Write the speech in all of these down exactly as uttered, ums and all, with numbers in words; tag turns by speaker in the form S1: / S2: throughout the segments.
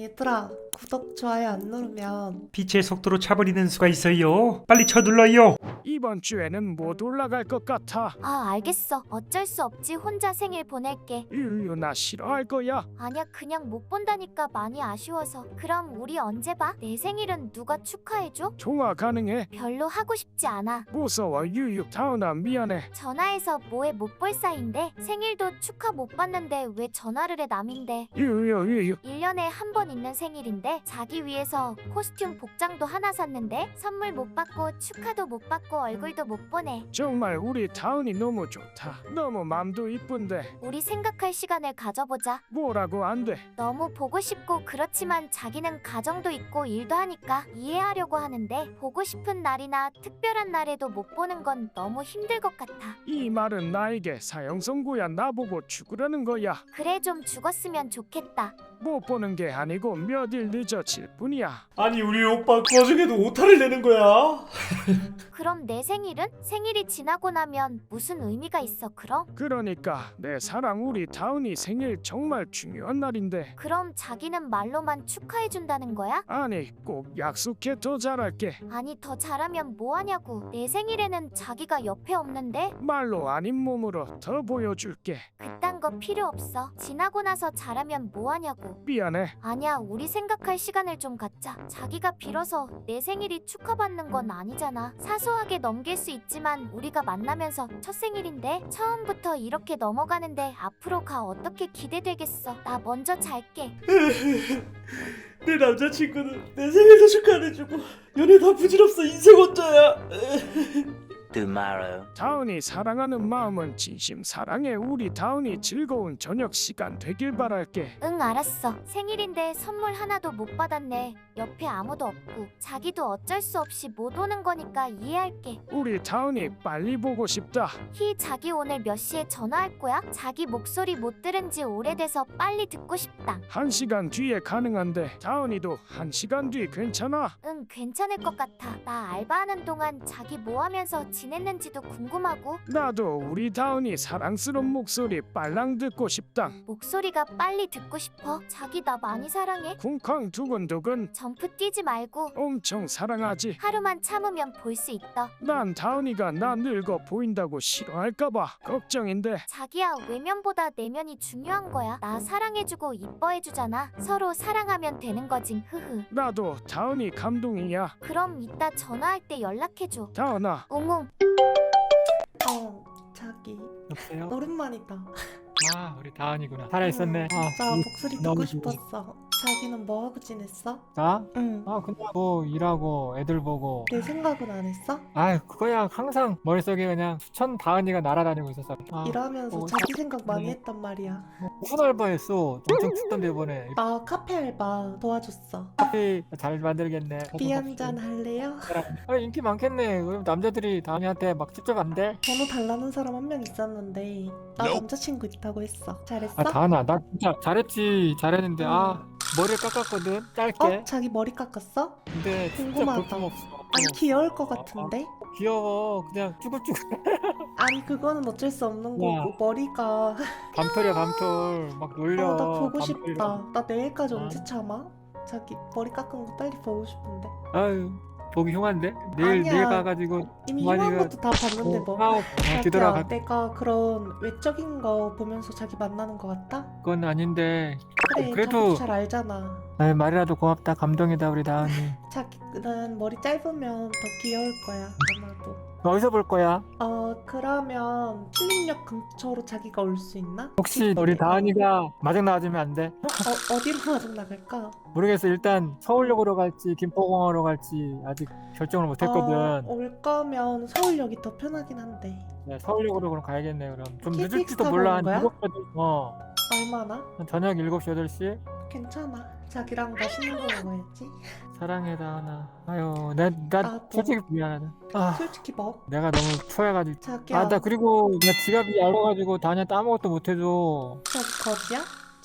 S1: 얘들아, 구독, 좋아요 안 누르면
S2: 빛의 속도로 차버리는 수가 있어요. 빨리 쳐둘러요.
S3: 이번 주에는 못 올라갈 것 같아.
S4: 아, 알겠어. 어쩔 수 없지. 혼자 생일 보낼게.
S3: 유유 나 싫어할 거야.
S4: 아니야, 그냥 못 본다니까 많이 아쉬워서. 그럼 우리 언제 봐? 내 생일은 누가 축하해줘?
S3: 통화 가능해?
S4: 별로 하고 싶지 않아.
S3: 무서워 유유. 다은아 미안해.
S4: 전화해서 뭐해 못 볼 사이인데 생일도 축하 못 받는데 왜 전화를 해 남인데.
S3: 유유 유유.
S4: 일 년에 한 번 있는 생일인데 자기 위해서 코스튬 복장도 하나 샀는데 선물 못 받고 축하도 못 받고 얼굴도 못 보내.
S3: 정말 우리 다은이 너무 좋다. 너무 맘도 이쁜데
S4: 우리 생각할 시간을 가져보자.
S3: 뭐라고 안 돼.
S4: 너무 보고 싶고 그렇지만 자기는 가정도 있고 일도 하니까 이해하려고 하는데 보고 싶은 날이나 특별한 날에도 못 보는 건 너무 힘들 것 같아.
S3: 이 말은 나에게 사형선고야. 나보고 죽으라는 거야.
S4: 그래, 좀 죽었으면 좋겠다.
S3: 못 보는 게 아니고 몇 일 늦어질 뿐이야.
S2: 아니 우리 오빠 그 와중에도 오타를 내는 거야.
S4: 그럼 내 생일은? 생일이 지나고 나면 무슨 의미가 있어 그럼?
S3: 그러니까 내 사랑 우리 다은이 생일 정말 중요한 날인데.
S4: 그럼 자기는 말로만 축하해준다는 거야?
S3: 아니 꼭 약속해. 더 잘할게.
S4: 아니 더 잘하면 뭐하냐고. 내 생일에는 자기가 옆에 없는데?
S3: 말로 아닌 몸으로 더 보여줄게.
S4: 그딴 거 필요 없어. 지나고 나서 잘하면 뭐하냐고.
S3: 미안해.
S4: 아니야, 우리 생각할 시간을 좀 갖자. 자기가 빌어서 내 생일이 축하받는 건 아니잖아. 사소하게 넘길 수 있지만 우리가 만나면서 첫 생일인데 처음부터 이렇게 넘어가는데 앞으로가 어떻게 기대되겠어. 나 먼저 잘게.
S2: 내 남자친구는 내 생일도 축하해주고 연애 다 부질없어. 인생 혼자야.
S5: tomorrow.
S3: 다은이 사랑하는 마음은 진심 사랑해. 우리 다은이 즐거운 저녁 시간 되길 바랄게.
S4: 응, 알았어. 생일인데 선물 하나도 못 받았네. 옆에 아무도 없고 자기도 어쩔 수 없이 못 오는 거니까 이해할게.
S3: 우리 다은이 빨리 보고 싶다.
S4: 히, 자기 오늘 몇 시에 전화할 거야? 자기 목소리 못 들은 지 오래돼서 빨리 듣고 싶다.
S3: 한 시간 뒤에 가능한데 다은이도 한 시간 뒤 괜찮아?
S4: 응, 괜찮을 것 같아. 나 알바하는 동안 자기 뭐 하면서 지냈는지도 궁금하고.
S3: 나도 우리 다은이 사랑스러운 목소리 빨랑 듣고 싶다.
S4: 목소리가 빨리 듣고 싶어. 자기 나 많이 사랑해.
S3: 쿵쾅 두근두근.
S4: 점프 뛰지 말고
S3: 엄청 사랑하지.
S4: 하루만 참으면 볼 수 있다.
S3: 난 다은이가 나 늙어 보인다고 싫어할까봐 걱정인데.
S4: 자기야, 외면보다 내면이 중요한 거야. 나 사랑해주고 이뻐해주잖아. 서로 사랑하면 되는 거지. 흐흐.
S3: 나도 다은이 감동이야.
S4: 그럼 이따 전화할 때 연락해줘.
S3: 다은아.
S4: 웅웅.
S1: 어, 자기
S6: 여보세요?
S1: 오랜만이다.
S6: 아 우리 다은이구나. 살아있었네. 아,
S1: 진짜
S6: 우리
S1: 목소리 듣고
S6: 너무
S1: 싶었어. 자기는 뭐 하고 지냈어?
S6: 나?
S1: 응.
S6: 아 그냥 뭐 일하고 애들 보고.
S1: 내 생각은 안 했어?
S6: 아 그거야 항상 머릿속에 그냥 수천 다은이가 날아다니고 있었어. 아,
S1: 일하면서
S6: 어,
S1: 자기 생각 많이
S6: 네.
S1: 했단 말이야.
S6: 뭐 무슨 알바했어? 엄청 춥던데 이번에.
S1: 나 카페 알바 도와줬어.
S6: 커피 잘 만들겠네.
S1: 비 한 잔 할래요?
S6: 아 인기 많겠네. 그럼 남자들이 다은이한테 막 직접 안 돼?
S1: 번호 달라는 사람 한 명 있었는데 나 남자친구 있다고 했어. 잘했어?
S6: 아 다은아 나 진짜 잘했지. 잘했는데 아 머리를 깎았거든 짧게.
S1: 어? 자기 머리 깎았어?
S6: 근데 진짜
S1: 궁금하다.
S6: 볼품없어.
S1: 아니 귀여울 것 같은데?
S6: 귀여워. 그냥 쭈글쭈글.
S1: 아니 그거는 어쩔 수 없는
S6: 야.
S1: 거고 머리가
S6: 밤톨이야 밤톨. 막 놀려.
S1: 어, 나 보고
S6: 밤톨이랑.
S1: 싶다. 나 내일까지
S6: 아.
S1: 언제 참아? 자기 머리 깎은 거 빨리 보고 싶은데.
S6: 아유 보기 흉한데? 내일
S1: 아니야.
S6: 내일 가가지고
S1: 이미
S6: 많이
S1: 흉한
S6: 그-
S1: 것도 다 봤는데 뭐.
S6: 아우
S1: 자기야,
S6: 뒤돌아가.
S1: 내가 그런 외적인 거 보면서 자기 만나는 거 같다?
S6: 그건 아닌데.
S1: 그래,
S6: 그래도-
S1: 자기 잘 알잖아.
S6: 아유 말이라도 고맙다. 감동이다 우리 다은이.
S1: 자기는 머리 짧으면 더 귀여울 거야 아마도.
S6: 어디서 볼 거야?
S1: 어 그러면 필립역 근처로 자기가 올 수 있나?
S6: 혹시 우리 다은이가 마중 나와주면 안 돼?
S1: 어 어디로 마중 나갈까?
S6: 모르겠어. 일단 서울역으로 갈지 김포공항으로 갈지 아직 결정을 못했거든.
S1: 어, 올 거면 서울역이 더 편하긴 한데.
S6: 네, 서울역으로 그럼 가야겠네. 그럼 좀
S1: 케이티엑스
S6: 늦을지도
S1: 타고
S6: 몰라.
S1: 오는
S6: 한
S1: 거야?
S6: 일곱 시 어
S1: 얼마나?
S6: 한 저녁 일곱 시 여덟 시.
S1: 괜찮아. 자기랑 맛있는 거 먹어야지.
S6: 사랑해 다은아. 아유 나, 나
S1: 나도.
S6: 솔직히 미안하다. 아
S1: 솔직히 뭐?
S6: 내가 너무 초해가지고.
S1: 자기야.
S6: 아 나 그리고 나 지갑이 얇아가지고 다은이한테 아무것도 못해줘.
S1: 자기 거지야?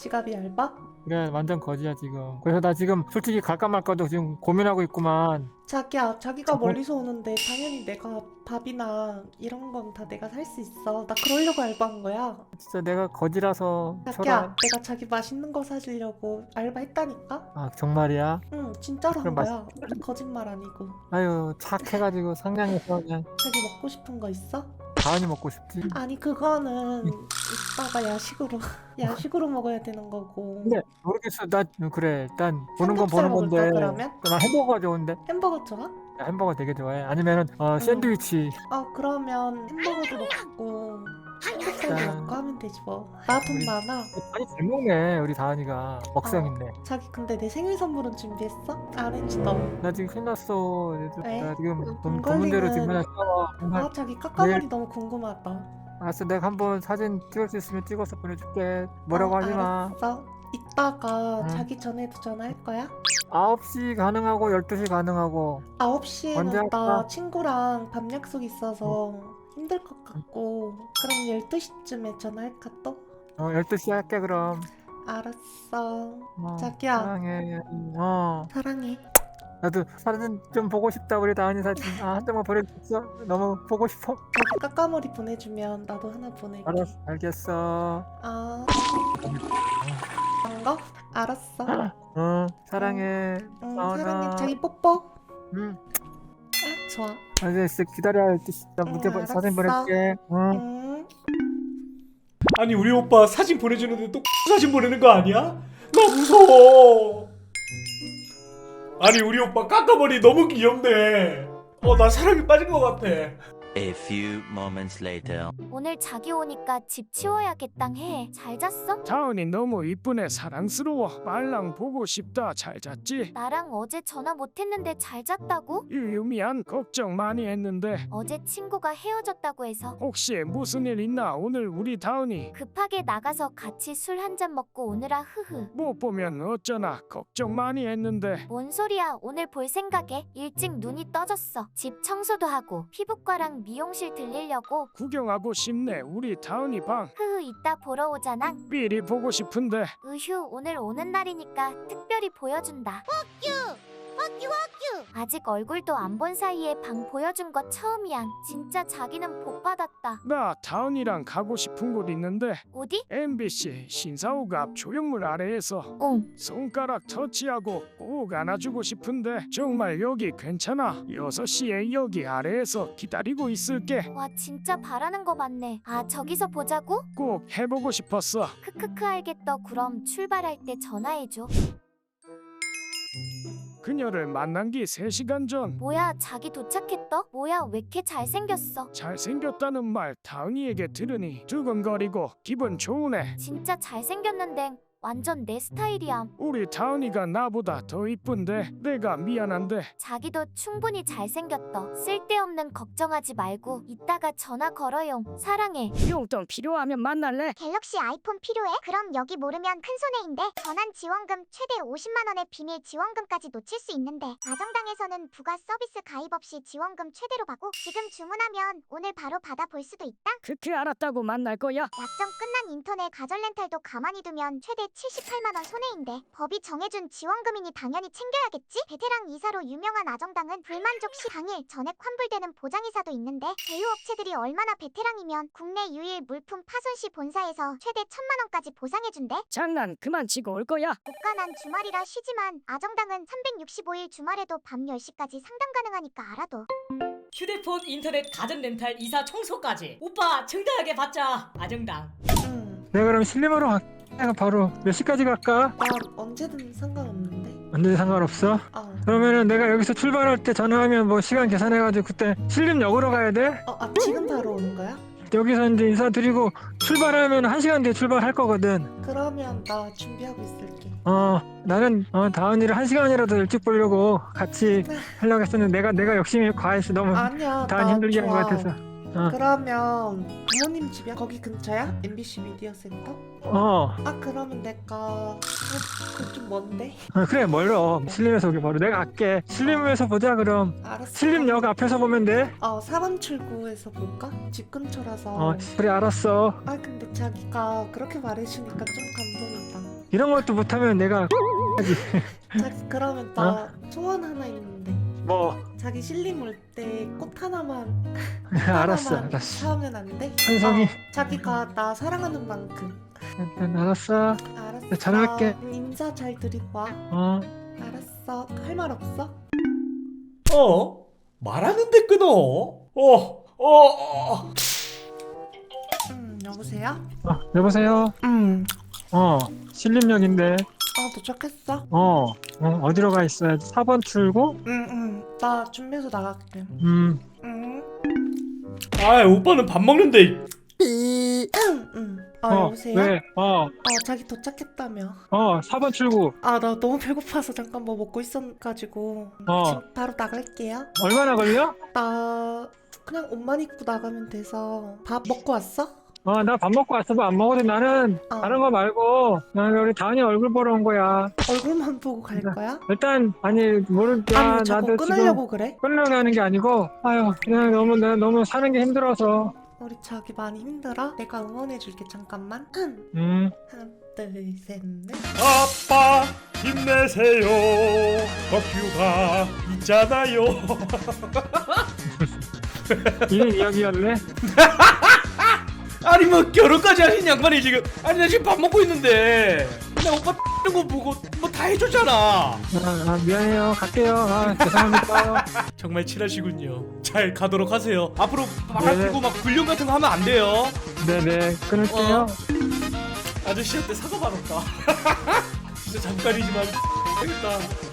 S1: 지갑이 얇아?
S6: 그래 완전 거지야 지금. 그래서 나 지금 솔직히 갈까 말까도 지금 고민하고 있구만.
S1: 자기야, 자기가
S6: 저거-
S1: 멀리서 오는데 당연히 내가 밥이나 이런 건 다 내가 살 수 있어. 나 그러려고 알바한 거야.
S6: 진짜 내가 거지라서
S1: 자기야,
S6: 쳐라.
S1: 내가 자기 맛있는 거 사주려고 알바했다니까?
S6: 아 정말이야?
S1: 응, 진짜로 한
S6: 그럼 맛-
S1: 거야. 거짓말 아니고.
S6: 아유 착해가지고 상냥해서 그냥
S1: 자기 먹고 싶은 거 있어?
S6: 다은이 먹고 싶지.
S1: 아니, 그거는 이따가 야식으로 야식으로 먹어야 되는 거고.
S6: 근데 모르겠어. 나 그래 일단 보는 건
S1: 삼겹살
S6: 보는 건데
S1: 먹을까, 그러면?
S6: 나 햄버거가 좋은데.
S1: 햄버거 좋아?
S6: 나 햄버거 되게 좋아해. 아니면은 어 샌드위치.
S1: 어, 그러면 햄버거도 먹고 삼겹살도
S6: 자.
S1: 먹고 하면 되지 뭐. 나 돈 많아.
S6: 아니 잘 먹네 우리 다은이가. 먹성
S1: 어.
S6: 있네.
S1: 자기 근데 내 생일 선물은 준비했어? 안 했지 너.
S6: 나 지금 신났어.
S1: 왜?
S6: 나 지금 돈,
S1: 돈
S6: 돈 문제로
S1: 걸리면-
S6: 지금 그냥 싸워. 정말.
S1: 아, 자기 까까머리 너무 궁금하다.
S6: 알았어 내가 한번 사진 찍을 수 있으면 찍어서 보내줄게. 뭐라고
S1: 어,
S6: 하지 마.
S1: 알았어. 이따가
S6: 응.
S1: 자기 전에도 전화할 거야?
S6: 아홉 시 가능하고 열두 시 가능하고.
S1: 아홉 시에는
S6: 언제
S1: 나
S6: 할까?
S1: 친구랑 밤 약속 있어서 힘들 것 같고. 그럼 열두 시쯤에 전화할까 또?
S6: 어 열두 시 할게 그럼.
S1: 알았어.
S6: 어,
S1: 자기야.
S6: 사랑해. 어
S1: 사랑해.
S6: 나도 사진 좀 보고 싶다 우리 다은이 사진. 아 한 장만 보내줬어. 너무 보고 싶어.
S1: 자기 까까머리 보내주면 나도 하나 보낼게.
S6: 알았어 알겠어.
S1: 아. 반가? 알았어.
S6: 어 사랑해.
S1: 응,
S6: 다은아.
S1: 사랑해. 자기 뽀뽀.
S6: 응.
S1: 아, 좋아.
S6: 아, 이제 진짜 기다려. 나 문제
S1: 응,
S6: 보- 사진
S1: 알았어.
S6: 보낼게. 응.
S1: 응.
S2: 아니 우리 오빠 사진 보내주는데 또 사진 보내는 거 아니야? 나 무서워. 아니 우리 오빠 까까머리 너무 귀엽네. 어 나 사랑에 빠진 것 같아.
S5: A few moments later.
S4: 오늘 자기 오니까 집 치워야겠당 해. 잘 잤어?
S3: 다은이 너무 이쁘네. 사랑스러워. 말랑 보고 싶다. 잘 잤지?
S4: 나랑 어제 전화 못했는데 잘 잤다고?
S3: 유유 미안. 걱정 많이 했는데
S4: 어제 친구가 헤어졌다고 해서
S3: 혹시 무슨 일 있나? 오늘 우리 다은이
S4: 급하게 나가서 같이 술 한 잔 먹고 오느라 흐흐.
S3: 못 보면 어쩌나. 걱정 많이 했는데.
S4: 뭔 소리야. 오늘 볼 생각에 일찍 눈이 떠졌어. 집 청소도 하고 피부과랑 미용실 들리려고.
S3: 구경하고 싶네. 우리 다은이 방
S4: 흐흐 이따 보러 오잖아.
S3: 미리 보고 싶은데.
S4: 으휴 오늘 오는 날이니까 특별히 보여준다. 아직 얼굴도 안 본 사이에 방 보여준 거 처음이야. 진짜 자기는 복 받았다.
S3: 나 다은이랑 가고 싶은 곳 있는데
S4: 어디?
S3: 엠비씨 신사옥 앞 조형물 아래에서
S4: 응.
S3: 손가락 터치하고 꼭 안아주고 싶은데 정말 여기 괜찮아? 여섯 시에 여기 아래에서 기다리고 있을게.
S4: 와 진짜 바라는 거 많네. 아 저기서 보자고?
S3: 꼭 해보고 싶었어.
S4: 크크크 알겠다. 그럼 출발할 때 전화해줘.
S3: 그녀를 만난 지 세 시간 전.
S4: 뭐야 자기 도착했어? 뭐야 왜 이렇게 잘생겼어?
S3: 잘생겼다는 말 다은이에게 들으니 두근거리고 기분 좋으네.
S4: 진짜 잘생겼는데 완전 내 스타일이야.
S3: 우리 다은이가 나보다 더 이쁜데 내가 미안한데.
S4: 자기도 충분히 잘생겼어. 쓸데없는 걱정하지 말고 이따가 전화 걸어용. 사랑해.
S7: 용돈 필요하면 만날래?
S8: 갤럭시 아이폰 필요해? 그럼 여기 모르면 큰 손해인데. 전환 지원금 최대 오십만 원의 비밀 지원금까지 놓칠 수 있는데 아정당에서는 부가 서비스 가입 없이 지원금 최대로 받고 지금 주문하면 오늘 바로 받아볼 수도 있다.
S7: 크크 알았다고 만날 거야.
S8: 약정 끝난 인터넷 가전 렌탈도 가만히 두면 최대 칠십팔만 원 손해인데 법이 정해준 지원금이니 당연히 챙겨야겠지? 베테랑 이사로 유명한 아정당은 불만족 시 당일 전액 환불되는 보장이사도 있는데 제휴업체들이 얼마나 베테랑이면 국내 유일 물품 파손 시 본사에서 최대 천만 원까지 보상해준대.
S7: 장난 그만 치고 올 거야.
S8: 고가난 주말이라 쉬지만 아정당은 삼백육십오 일 주말에도 밤 열 시까지 상담 가능하니까 알아둬.
S9: 휴대폰, 인터넷, 가전 렌탈, 이사, 청소까지 오빠 정당하게 받자. 아정당.
S1: 응.
S6: 내가 그럼 신림으로 갈게. 내가 바로 몇 시까지 갈까?
S1: 난 언제든 상관없는데.
S6: 언제 상관없어?
S1: 어.
S6: 그러면은 내가 여기서 출발할 때 전화하면 뭐 시간 계산해가지고 그때 신림역으로 가야 돼?
S1: 어, 아, 지금 바로 오는 거야?
S6: 여기서 이제 인사드리고 출발하면 한 시간 뒤에 출발할 거거든.
S1: 그러면 나 준비하고 있을게.
S6: 어 나는 어, 다은이를 한 시간이라도 일찍 보려고 같이 하려고 했었는데 내가 내가 욕심이 과해서 너무
S1: 아니야,
S6: 다은
S1: 나
S6: 힘들게 한 것
S1: 좋아.
S6: 같아서. 어.
S1: 그러면 부모님 집이야? 거기 근처야? 엠비씨 미디어 센터?
S6: 어.
S1: 아 그러면 내가 어, 그거 좀 먼데?
S6: 어, 그래 멀어. 신림에서 오기 멀어. 내가 갈게. 신림에서 보자 그럼.
S1: 알았어.
S6: 신림역 앞에서 보면 돼.
S1: 어 사 번 출구에서 볼까? 집 근처라서.
S6: 어 그래 알았어.
S1: 아 근데 자기가 그렇게 말해주니까 좀 감동이다.
S6: 이런 것도 못하면 내가
S1: 자기 그러면 나 소원 하나 있는데
S6: 뭐
S1: 자기 실림 올 때 꽃 하나만
S6: 알았어
S1: 하나만
S6: 알았어.
S1: 사오면 안 돼?
S6: 한성이.
S1: 어, 자기가 나 사랑하는 만큼.
S6: 일단 알았어.
S1: 알았어.
S6: 네, 잘할게.
S1: 음, 인사 잘 드리고 와.
S6: 어.
S1: 알았어. 할 말 없어?
S2: 어? 말하는데 끊어? 어, 어, 어.
S1: 음 여보세요?
S6: 어 여보세요.
S1: 음.
S6: 어 신림역인데.
S1: 아 도착했어?
S6: 어. 어 어디로 가 있어야 돼? 사 번 출구?
S1: 응응. 나 준비해서 나갈게.
S6: 음.
S1: 응.
S2: 아, 오빠는 밥 먹는데.
S1: 응. 아
S6: 어
S1: 여보세요?
S6: 왜? 어.
S1: 어 자기 도착했다며.
S6: 어 사 번 출구.
S1: 아 나 너무 배고파서 잠깐 뭐 먹고 있어가지고
S6: 어.
S1: 지금 바로 나갈게요.
S6: 얼마나 걸려?
S1: 나 그냥 옷만 입고 나가면 돼서. 밥 먹고 왔어?
S6: 어 나 밥 먹고 왔어. 뭐 안 먹어도 나는
S1: 어.
S6: 다른 거 말고 나는 우리 다은이 얼굴 보러 온 거야.
S1: 얼굴만 보고 갈 거야?
S6: 일단 아니 모르겠다.
S1: 아니 왜 자꾸
S6: 나도
S1: 끊으려고 그래?
S6: 지금 끊으려고 하는 게 아니고 아유 그냥 너무 내가 너무 사는 게 힘들어서.
S1: 우리 자기 많이 힘들어? 내가 응원해줄게 잠깐만.
S6: 음.
S1: 하나 둘셋넷.
S2: 아빠 힘내세요. 덕규가 있잖아요.
S6: 이게 이야기였네.
S2: 아니 뭐 결혼까지 하신 양반이 지금. 아니 나 지금 밥 먹고 있는데 나 오빠 X는 거 보고 뭐 다 해줬잖아.
S6: 아, 아 미안해요. 갈게요. 아 죄송합니다.
S2: 정말 친하시군요. 잘 가도록 하세요. 앞으로 말
S6: 네.
S2: 피고 막 불륜 같은 거 하면 안 돼요.
S6: 네네 끊을게요.
S2: 어. 아저씨한테 사과 받았다. 진짜 잠깐이지만 되겠다.